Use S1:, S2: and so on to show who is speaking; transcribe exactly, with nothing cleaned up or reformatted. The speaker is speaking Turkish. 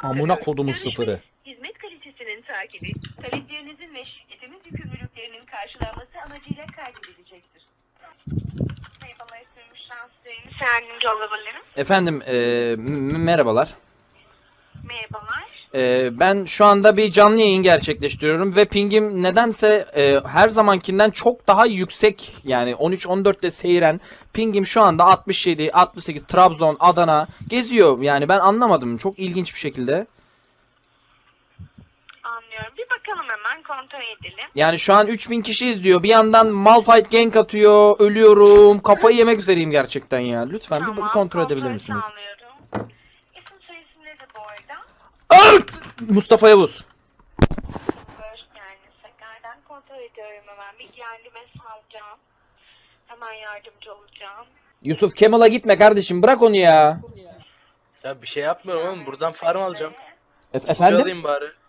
S1: Amına kodumun sıfırı.
S2: Hizmet kalitesinin takibi, taleplerinizin ve şirketimiz yükümlülüklerinin karşılanması amacıyla kaydedilecektir. Merhabalar, sürmüş şanslarınız yardımcı olabilirim.
S1: Efendim e, m- merhabalar.
S2: Merhabalar.
S1: E, ben şu anda bir canlı yayın gerçekleştiriyorum ve pingim nedense e, her zamankinden çok daha yüksek. Yani on üç on dörtte seyren pingim şu anda altmış yedi altmış sekiz, Trabzon, Adana geziyor. Yani ben anlamadım, çok ilginç bir şekilde.
S2: Anlıyorum. Bir bakalım, hemen kontrol edelim.
S1: Yani şu an üç bin kişi izliyor. Bir yandan Malphite gank atıyor. Ölüyorum. Kafayı yemek üzereyim gerçekten ya. Lütfen bir
S2: Tamam,
S1: kontrol edebilir misiniz?
S2: sağlıyorum. İsim soyisim nedir bu arada?
S1: Öl! Mustafa Yavuz.
S2: Hoş geldiniz. Tekrardan kontrol ediyorum hemen. Bilgilendirme sağlayacağım. Hemen yardımcı olacağım.
S1: Yusuf Kemal'a gitme kardeşim. Bırak onu ya.
S3: Ya bir şey yapmıyorum oğlum. Buradan farm alacağım.
S1: E-
S3: Kill
S1: efendim?
S3: alayım bari.